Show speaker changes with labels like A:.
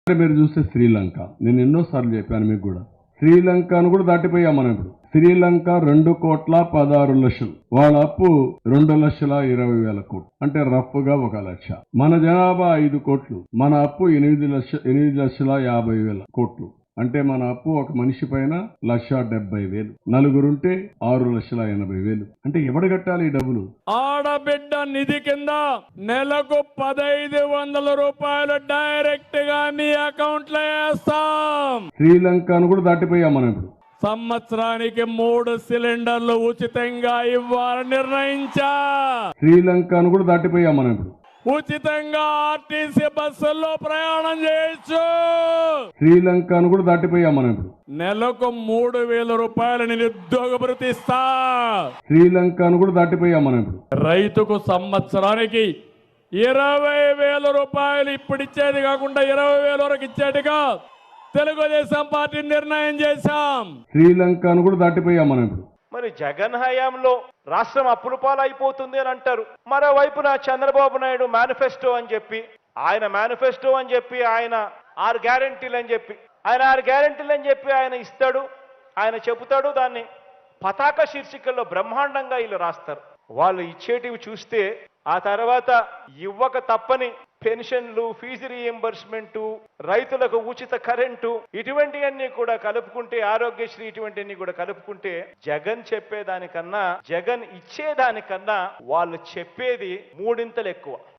A: మీరు చూస్తే శ్రీలంక, నేను ఎన్నోసార్లు చెప్పాను మీకు కూడా, శ్రీలంకను కూడా దాటిపోయాం మనం ఇప్పుడు. శ్రీలంక 2,16,00,000, వాళ్ళ అప్పు 2,20,000 కోట్లు, అంటే రఫ్ గా 1,00,000. మన జనాభా 5 కోట్లు, మన అప్పు 8,50,000 కోట్లు, అంటే మన అప్పు ఒక మనిషి పైన 1,70,000. నలుగురుంటే 6,80,000. అంటే ఎవడు కట్టాలి ఈ డబ్బులు?
B: ఆడబిడ్డ నిధి కింద నెలకు 1,500 రూపాయలు డైరెక్ట్ గా మీ అకౌంట్ లో వేస్తాం.
A: శ్రీలంకను కూడా దాటిపోయాం మనం ఇప్పుడు.
B: సంవత్సరానికి 3 సిలిండర్లు ఉచితంగా ఇవ్వాలని నిర్ణయించా.
A: శ్రీలంకను కూడా దాటిపోయాం మనం ఇప్పుడు.
B: ఉచితంగా ఆర్టీసీ బస్సుల్లో ప్రయాణం చేయొచ్చు.
A: శ్రీలంకను కూడా దాటిపోయాం మనం ఇప్పుడు.
B: నెలకు 3,000 రూపాయలు నిరుద్యోగ భృతి ఇస్తా.
A: శ్రీలంకను కూడా దాటిపోయాం మనం ఇప్పుడు.
B: రైతుకు సంవత్సరానికి 20,000 రూపాయలు ఇప్పుడు ఇచ్చేది కాకుండా 20,000 వరకు ఇచ్చేట్టుగా తెలుగుదేశం పార్టీ నిర్ణయం చేశాం.
A: శ్రీలంకను కూడా దాటిపోయాం మనం ఇప్పుడు.
C: మరి జగన్ హయాంలో రాష్ట్రం అప్పుల పాలైపోతుంది అని అంటారు. మరోవైపున చంద్రబాబు నాయుడు మేనిఫెస్టో అని చెప్పి ఆయన 6 గ్యారెంటీలు అని చెప్పి ఆయన ఇస్తాడు, ఆయన చెబుతాడు. దాన్ని పతాక శీర్షికల్లో బ్రహ్మాండంగా వీళ్ళు రాస్తారు. వాళ్ళు ఇచ్చేటివి చూస్తే ఆ తర్వాత ఇవ్వక తప్పని పెన్షన్లు, ఫీజు రీఎంబర్స్మెంట్, రైతులకు ఉచిత కరెంటు, ఇటువంటివన్నీ కూడా కలుపుకుంటే, ఆరోగ్యశ్రీ ఇటువంటివన్నీ కూడా కలుపుకుంటే జగన్ చెప్పేదానికన్నా, జగన్ ఇచ్చేదానికన్నా వాళ్ళు చెప్పేది 3 ఎక్కువ.